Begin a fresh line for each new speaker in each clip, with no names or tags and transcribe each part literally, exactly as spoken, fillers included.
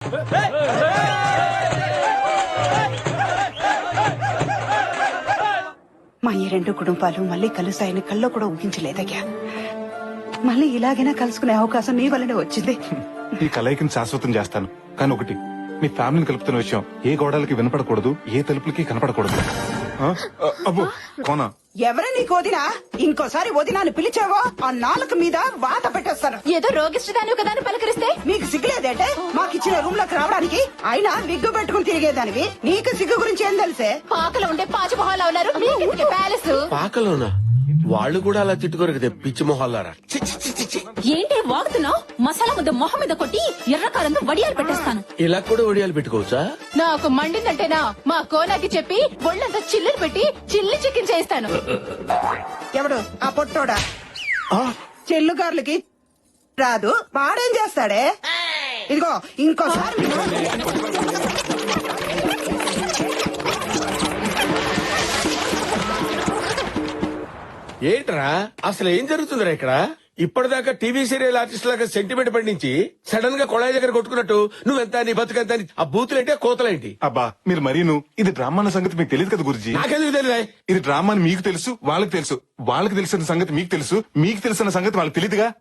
మా ఈ రెండు కుటుంబాలు మళ్ళీ కలుస్తాయని కల్లో కూడా ఊహించలేదయ్యా. మళ్ళీ ఇలాగైనా కలుసుకునే అవకాశం నీ వల్లనే వచ్చింది.
ఈ కలయికని శాశ్వతం చేస్తాను, కానీ ఒకటి, మీ ఫ్యామిలీని కలుపుతున్న విషయం ఏ గోడలకి వినపడకూడదు, ఏ తలుపులకి కనపడకూడదు. అబ్బో కోనా,
ఎవరే నీకు వదినా? ఇంకోసారి వదినాన్ని పిలిచావో ఆ నాలుక మీద వాత పెట్టేస్తాను.
ఏదో రోగిష్టిదాని కదా పలకరిస్తే
మీకు సిగ్గులేదంటే మాకిచ్చిన రూమ్ లోకి రావడానికి? అయినా విగ్గు పెట్టుకుని తిరిగేదానివి, నీకు సిగ్గు గురించి ఏం తెలిసే?
పాకలో ఉండే పాచి మొహాలు ఉన్నారు ప్యాలెస్.
పాకలోనా? వాళ్ళు కూడా అలా తిట్టుకోరు కదా పిచ్చి మొహాలారా.
ఏంటి వాగుతున్నావు? మసాలా ముద్ద మొహం మీద కొట్టి ఎర్రకారంతో వడియాలు పెట్టేస్తాను.
ఇలా కూడా వడియాలు పెట్టుకోవచ్చా?
నాకు మండిందంటేనా మా కోనాకి చెప్పి ఒళ్ళంతా చిల్లులు పెట్టి చిల్లి చికెన్ చేయిస్తాను.
ఎవడు ఆ పొట్టోడా? చెల్లుగారులకి రాదు, వాడేం చేస్తాడే? ఇదిగో ఇంకోసారి
ఏంట్రా అసలు ఏం జరుగుతుందిరా ఇక్కడ? ఇప్పటిదాకా టీవీ సీరియల్ ఆర్టిస్ట్ లాగా సెంటిమెంట్ పండించి సడన్ గా కొళాయి దగ్గర కొట్టుకున్నట్టు నువ్వెంత నీ బతుకంత ఆ బూతులేంటి కోతలేంటి?
అబ్బా మీరు మరీను, ఇది డ్రామా అన్న సంగతి మీకు తెలియదు కదా గురుజీ.
నాకెందుకు తెలియదా?
ఇది డ్రామా అని మీకు తెలుసు, వాళ్ళకి తెలుసు. వాళ్ళకి తెలిసిన సంగతి మీకు తెలుసు, మీకు తెలిసిన సంగతి వాళ్ళకి తెలియదుగా.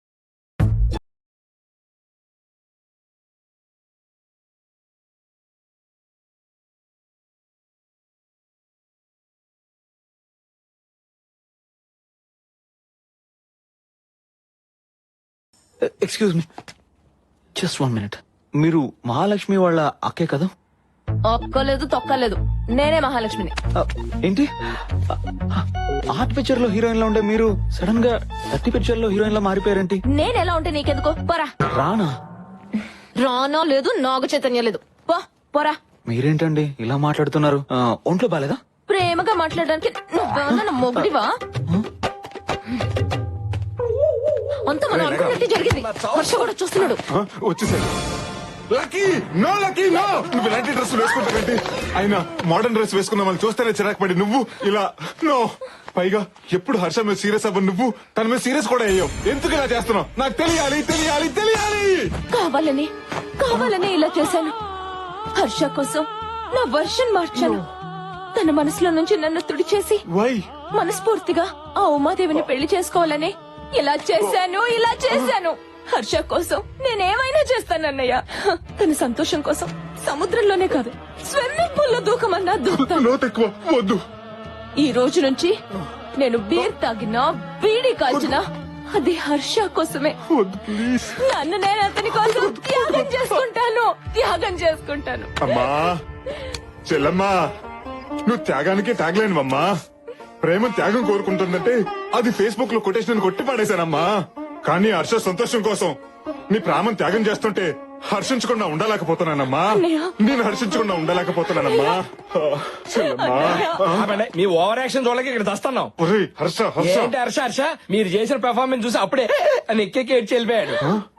Excuse me, just one minute. మీరు మహాలక్ష్మి వాళ్ళ అక్కే కదా?
ఒక్కలేదు తొక్కలేదు, నేనే మహాలక్ష్మిని.
ఏంటి ఆర్ట్ పిక్చర్ లో హీరోయిన్ లో ఉండే మీరు సడన్ గా థర్టీ పిక్చర్ లో హీరోయిన్ లో మారిపోయారేంటి?
నేను ఎలా ఉంటే నీకెందుకో? పోరా.
రానా?
రానో లేదు, నాగ చైతన్య లేదు. పో పోరా.
మీరేంటండి ఇలా మాట్లాడుతున్నారు? ఒంట్లో బాలేదా?
ప్రేమగా మాట్లాడడానికి నువ్వేమన్నా మొగుడివా? అంత మనం అనుకున్నట్టు జరిగింది. హర్ష కూడా చూస్తున్నాడు.
వచ్చేసాడు. Lucky no, lucky no. నువ్వు ఇలాంటి డ్రెస్ వేసుకుంటావేంటి? అయినా మోడర్న్ డ్రెస్ వేసుకున్నా మనం చూస్తేనే చిరాకు పడి నువ్వు ఇలా నో. పైగా ఎప్పుడు హర్ష మీద సీరియస్ అవ్వ నువ్వు తన మీద సీరియస్ కూడా అయ్యావు. ఎందుకు ఇలా చేస్తున్నావు? నాకు తెలియాలి తెలియాలి తెలియాలి.
కావాలని కావాలని ఇలా చేశాను. హర్ష కోసం నా వర్షన్ మార్చాను. తన మనసులో నుంచి నన్ను తుడిచేసి
వై
మనస్ఫూర్తిగా ఆ ఉమాదేవిని పెళ్లి చేసుకోవాలని ఇలా చేశాను ఇలా చేశాను. హర్ష కోసం నేనేమైనా చేస్తానన్నయ్య. తన సంతోషం కోసం సముద్రంలోనే కాదు స్విమ్మింగ్ పూల్ లో దూకమన్నా దూకుతాను.
వద్దు.
ఈ రోజు నుంచి నేను బీర్ తాగినా బీడీ కాల్చినా అది హర్ష కోసమే. నన్ను నేను అతని కోసం త్యాగం చేసుకుంటాను త్యాగం చేసుకుంటాను.
అమ్మా చెల్లమ్మా, నువ్వు త్యాగానికి తాగలేనువమ్మా. ప్రేమ త్యాగం కోరుకుంటుందంటే అది ఫేస్బుక్ లో కొటేషన్ కొట్టి పడేశానమ్మా. కానీ హర్ష సంతోషం కోసం నీ ప్రాణం త్యాగం చేస్తుంటే హర్షించకుండా ఉండలేకపోతున్నానమ్మా. నేను హర్షించకుండా ఉండలేకపోతున్నానమ్మా.
మీ ఓవర్ యాక్షన్ చూడలేక ఇక్కడ దస్తున్నాం.
హర్ష హర్ష
ఏంటి హర్ష హర్ష మీరు చేసిన పెర్ఫార్మెన్స్ చూసి అప్పుడే అని ఎక్కెక్కి ఏడ్చి వెళ్ళిపోయాడు.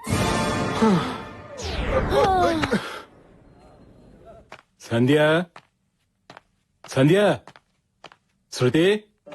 Sandhya Sandhya Shruti.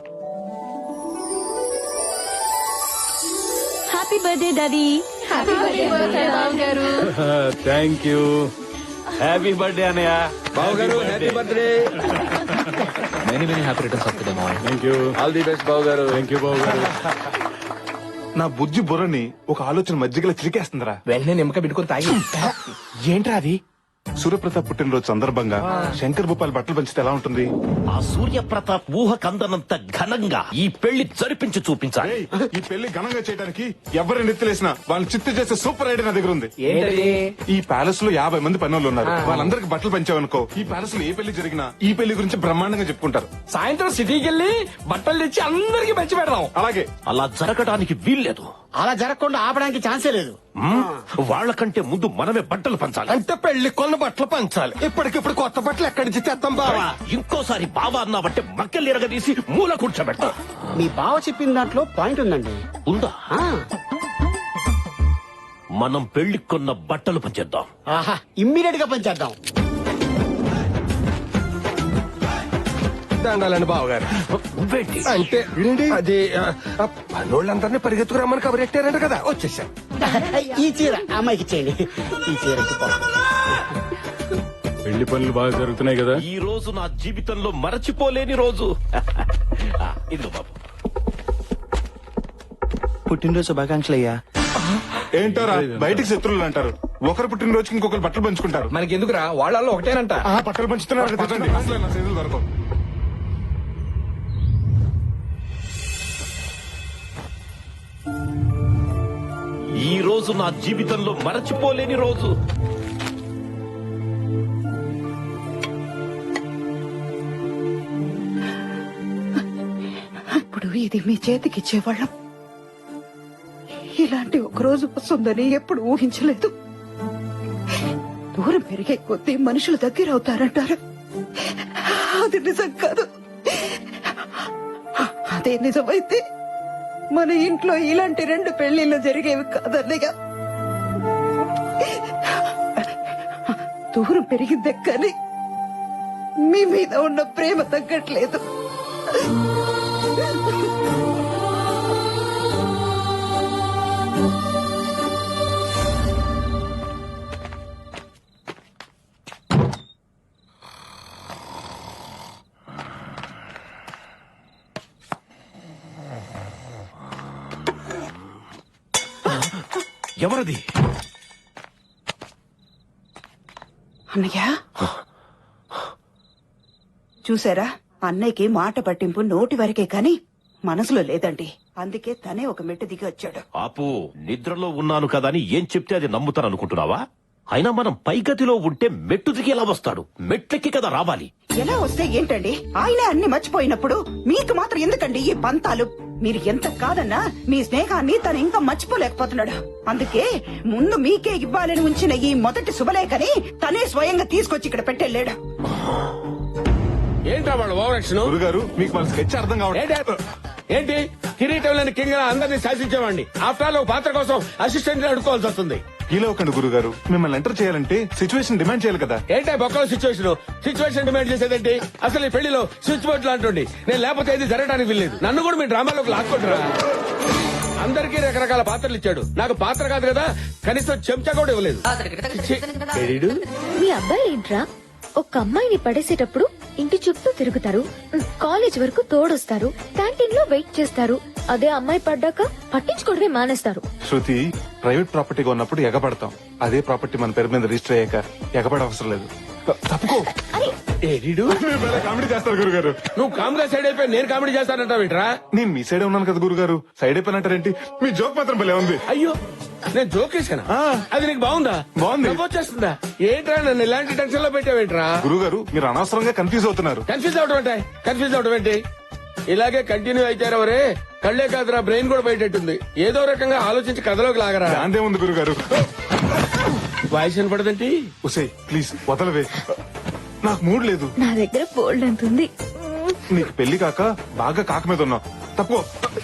Happy birthday daddy. Happy birthday గారు.
Thank you. హ్యాపీ బర్త్డే అన్నయ్య.
Babu garu happy birthday.
Many many happy returns of the day మావయ్య.
Thank you.
All the best Babu garu.
Thank you బాబు గారు.
నా బుజ్జి బుర్రని ఒక ఆలోచన మధ్యగల చిరికేస్తుందిరా.
వెంటనే నిమ్మక పెట్టుకుని తాగి. ఏంట్రా అది?
సూర్యప్రతాప్ పుట్టినరోజు సందర్భంగా శంకర్ భూపాల్ బట్టలు పంచితే ఎలా ఉంటుంది?
ఆ సూర్యప్రతాప్ ఊహ కందనంత ఘనంగా ఈ పెళ్లి జరిపించి చూపించాలి.
ఈ పెళ్లి ఘనంగా చేయడానికి ఎవరిని నెత్తిలేసినా వాళ్ళని చిత్తు చేసే సూపర్ ఐడియా నా దగ్గర ఉంది. ఈ ప్యాలెస్ లో యాభై మంది పనులు ఉన్నారు. వాళ్ళందరికి బట్టలు పంచావనుకో, ఈ ప్యాలెస్ లో ఏ పెళ్లి జరిగినా ఈ పెళ్లి గురించి బ్రహ్మాండంగా చెప్పుకుంటారు.
సాయంత్రం సిటీకి వెళ్ళి బట్టలు తెచ్చి అందరికి పంచి పెడదాం.
అలాగే.
అలా జరగడానికి వీల్లేదు.
అలా జరగకుండా ఆపడానికి ఛాన్సే లేదు.
వాళ్ళకంటే ముందు మనమే బట్టలు పంచాలి.
అంటే పెళ్లి కొన్న బట్టలు పంచాలి. ఇప్పటికిప్పుడు కొత్త బట్టలు ఎక్కడి నుంచి తెస్తాం బావా?
ఇంకోసారి బావా అన్నావంటే మక్కలు ఎరగదీసి మూల కూర్చోబెడతా.
మీ బావ చెప్పిన దాంట్లో పాయింట్ ఉందండి.
ఉందా? మనం పెళ్లి కొన్న బట్టలు పంచేద్దాం.
ఆహా, ఇమ్మీడియట్ గా పంచేద్దాం.
దండాలండి బావగారు. అంటే అది పనోళ్ళందరినీ పరిగెత్తుకురమ్మని కబురెట్టారంట కదా, వచ్చేసాం.
ఈ చీర అమ్మాయికి ఇచ్చేయండి. ఈ చీర
పెళ్లి పనులు బాగా జరుగుతున్నాయి కదా.
ఈ రోజు నా జీవితంలో మరచిపోలేని రోజు. ఆ, ఇదిగో బాబు.
పుట్టినరోజు శుభాకాంక్షలు అయ్యా.
ఏంటోరా బయటికి శత్రువులు అంటారు, ఒకరు పుట్టినరోజుకి ఇంకొకరు బట్టలు పంచుకుంటారు.
మనకి ఎందుకురా, వాళ్ళల్లో ఒకటేనంట.
ఆ బట్టలు పంచుతున్నారు కదా, తెచ్చండి. అసలు నా చేతులు దొరకవు.
ఈ రోజు నా జీవితంలో మరచిపోలేని రోజు.
ఇప్పుడు ఇది మీ చేతికిచ్చేవాళ్ళం. ఇలాంటి ఒక రోజు వస్తుందని ఎప్పుడు ఊహించలేదు. దూరం పెరిగే కొద్దీ మనుషులు దగ్గర అవుతారంటారు, అది నిజం కాదు. అదే నిజమైతే మన ఇంట్లో ఇలాంటి రెండు పెళ్లిళ్ళు జరిగేవి కాదన్నయ్య. దూరం పెరిగిందే కానీ మీ మీద ఉన్న ప్రేమ తగ్గట్లేదు.
ఎవరది?
అన్నయ్య చూసారా, అన్నయ్యకి మాట పట్టింపు నోటి వరకే కాని మనసులో లేదండి. అందుకే తనే ఒక మెట్టు దిగి వచ్చాడు.
ఆపు, నిద్రలో ఉన్నాను కదా అని ఏం చెప్తే అది నమ్ముతాననుకుంటున్నావా? అయినా మనం పైగతిలో ఉంటే మెట్టు దిగి ఎలా వస్తాడు? మెట్లెక్కి కదా రావాలి.
ఎలా వస్తే ఏంటండి, ఆయనే అన్ని మర్చిపోయినప్పుడు మీకు మాత్రం ఎందుకండి ఈ పంతాలు? మీరు ఎంత కాదన్నా మీ స్నేహాన్ని తను ఇంకా మర్చిపోలేకపోతున్నాడు. అందుకే ముందు మీకే ఇవ్వాలని ఉంచిన ఈ మొదటి శుభలేఖని తనే స్వయంగా తీసుకొచ్చి ఇక్కడ పెట్టెళ్ళాడు.
ఏంట్రా వాళ్ళు ఓవరాక్షన్?
గురుగారు మీకు మన స్కెచ్ అర్థం కావట్లేదు.
ఏంటి కిరీటం లేని కింగ్ అందరినీ శాసించేవాడిని. ఆఫ్టర్ ఆల్ ఒక పాత్ర కోసం అసిస్టెంట్ అడుకోవాల్సి వస్తుంది.
ఇలా ఒకండి గురుగారు, మిమ్మల్ని ఎంటర్ చేయాలంటే సిచ్యువేషన్ డిమాండ్ చేయాలి కదా.
ఏంటో బొక్కల సిచ్యువేషన్ సిచ్యువేషన్ డిమాండ్ చేసేదేంటి? అసలు ఈ పెళ్లిలో స్విచ్ బోర్డు లాంటి నేను లేకపోతే ఇది జరగడానికి వీల్లేదు. నన్ను కూడా మీ డ్రామాలోకి లాక్కుంటారా? అందరికీ రకరకాల పాత్రలు ఇచ్చాడు, నాకు పాత్ర కాదు కదా, కనీసం చెంచా కూడా ఇవ్వలేదు. ఛీ, ఏడీడు?
మీ అబ్బాయి ఏంట్రా, ఒక అమ్మాయిని పడేసేటప్పుడు ఇంటి చుట్టూ తిరుగుతారు, కాలేజ్ వరకు తోడొస్తారు, క్యాంటీన్ లో వెయిట్ చేస్తారు. అదే అమ్మాయి పడ్డాక పట్టించుకోవడమే మానేస్తారు.
శృతి, ప్రైవేట్ ప్రాపర్టీగా ఉన్నప్పుడు ఎగపడతాం. అదే ప్రాపర్టీ మన పేరు మీద రిజిస్టర్ అయ్యాక ఎగపడ అవసరం లేదు. తప్పుకో.
ఏడీడు?
కామెడీ చేస్తారు గురుగారు.
నువ్వు కామ్గా సైడ్ అయిపోయి నేను కామెడీ చేస్తానంటావేంట్రా?
నేను మీ సైడ్ ఉన్నాను కదా గురుగారు, సైడ్ అయిపోయినట్టారేంటి? మీ జోక్ మాత్రం భలే ఉంది.
అయ్యో, నేను జోక్ చేశానా? అది నీకు బాగుందా?
బాగుంది.
వచ్చేస్తుందా? ఏంట్రా నన్ను ఇలాంటి టెన్షన్ లో పెట్టావేంట్రా?
గురుగారు మీరు అనవసరంగా కన్ఫ్యూజ్ అవుతున్నారు.
కన్ఫ్యూజ్ అవడం ఏంటి? కన్ఫ్యూజ్ అవడం ఏంటి? ఇలాగే కంటిన్యూ అయితారవరే, కళ్లే కాదురా బ్రెయిన్ కూడా బయటెట్టుంది. ఏదో రకంగా ఆలోచించి కథలోకి లాగరా.
దాందే ఉంది గురుగారు.
వాయిస్ వినపడదంటే
ఉసే ప్లీజ్ వదలవే, నాకు మూడ్ లేదు.
నా దగ్గర బోల్డ్ అంత ఉంది.
నీకు పెళ్లి కాక బాగా కాక మీద ఉన్నావు. తప్పుకో.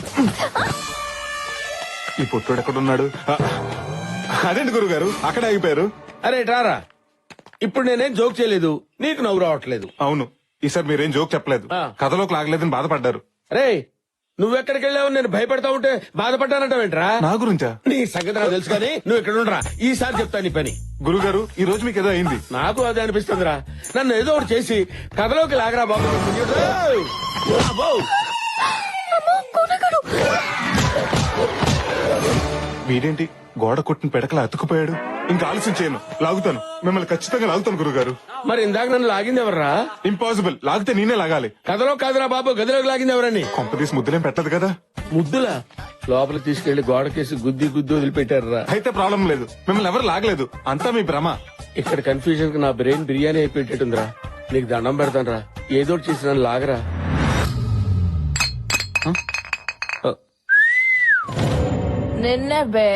ఈ పొట్టుడు ఎక్కడున్నాడు? ఆ, అదేంటి గురుగారు అక్కడ ఆగిపోయారు?
అరే రారా, ఇప్పుడు నేనేం జోక్ చేయలేదు, నీకు నవ్వు రావట్లేదు.
అవును, ఈసారి మీరేం జోక్ చెప్పలేదు,
ఆ.
కథలోకి లాగలేదని బాధపడ్డారు.
రే, నువ్వెక్కడికి వెళ్ళావు? నేను భయపడతా ఉంటే బాధపడ్డానంటావేంట్రా?
నా గురించా?
నీ సంగతి నాకు తెలుసు కానీ నువ్వు ఇక్కడ ఉండరా, ఈసారి చెప్తా నీ పని.
గురుగారు ఈ రోజు మీకు ఏదో అయింది.
నాకు అదే అనిపిస్తుందిరా, నన్ను ఏదో ఒకటి చేసి కథలోకి లాగరా బాబు. అబ్బో!
వీడేంటి గోడ కొట్టిన పెడకలా అతుకుపోయాడు? ఇంకా ఆలస్యం చేయను, లాగుతాను, మిమ్మల్ని ఖచ్చితంగా లాగుతాను గురుగారు.
మరి ఇందాక నన్ను లాగింది ఎవర్రా?
ఇంపాసిబుల్, లాగితే నేనే లాగాలి.
కథలో కాదురా బాబు, గదిలోకి లాగింది ఎవరని?
కొంపదీసి ముద్దులేం పెట్టదు కదా.
ముద్దులా? లోపలికి తీసుకెళ్లి గోడకేసి గుద్ది గుద్ది వదిలిపెట్టారా?
అయితే ప్రాబ్లం లేదు, మిమ్మల్ని ఎవరు లాగలేదు, అంతా మీ భ్రమ.
ఇక్కడ కన్ఫ్యూజన్ కి నా బ్రెయిన్ బిర్యానీ అయిపోయేటట్టుందిరా. నీకు దండం పెడతానరా, ఏదో ఒకటి చేసి నన్ను లాగరా.
నిన్నే బే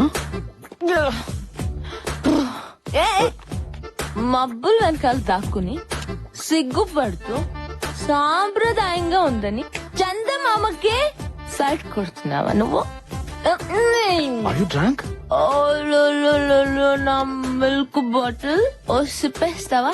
ఏ, మబ్బులు వెనకాల దాక్కుని సిగ్గుపడుతూ సాంప్రదాయంగా ఉందని చందమామకే సైట్ కొడుతున్నావా నువ్వు?
Are you drunk?
ఓ లో లో లో లో, నా మిల్క్ బాటిల్ ఓ సిప్పేస్తావా?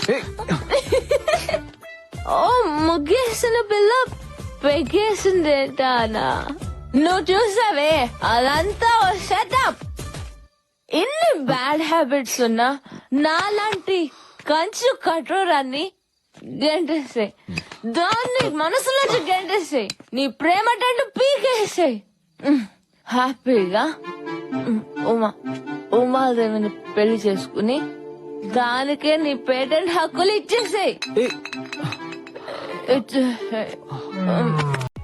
ఓ ముగ్గేసిన పిల్ల పెగేసిందేటానా? నువ్వు చూసావే, అదంతా ఓ సెటప్. ఇన్ని బ్యాడ్ హ్యాబిట్స్ ఉన్నా నాలాంటి కంచు కఠోరాన్ని గెంటేసాయి, దాన్ని మనసులోంచి గెంటేసాయి, నీ ప్రేమ టండు పీకేసాయి. హ్యాపీగా ఉమ్, ఉమా ఉమాదేవిని పెళ్లి చేసుకుని దానికే నీ పేటెంట్ హక్కులు ఇచ్చేసాయి. ఇచ్చేసాయి.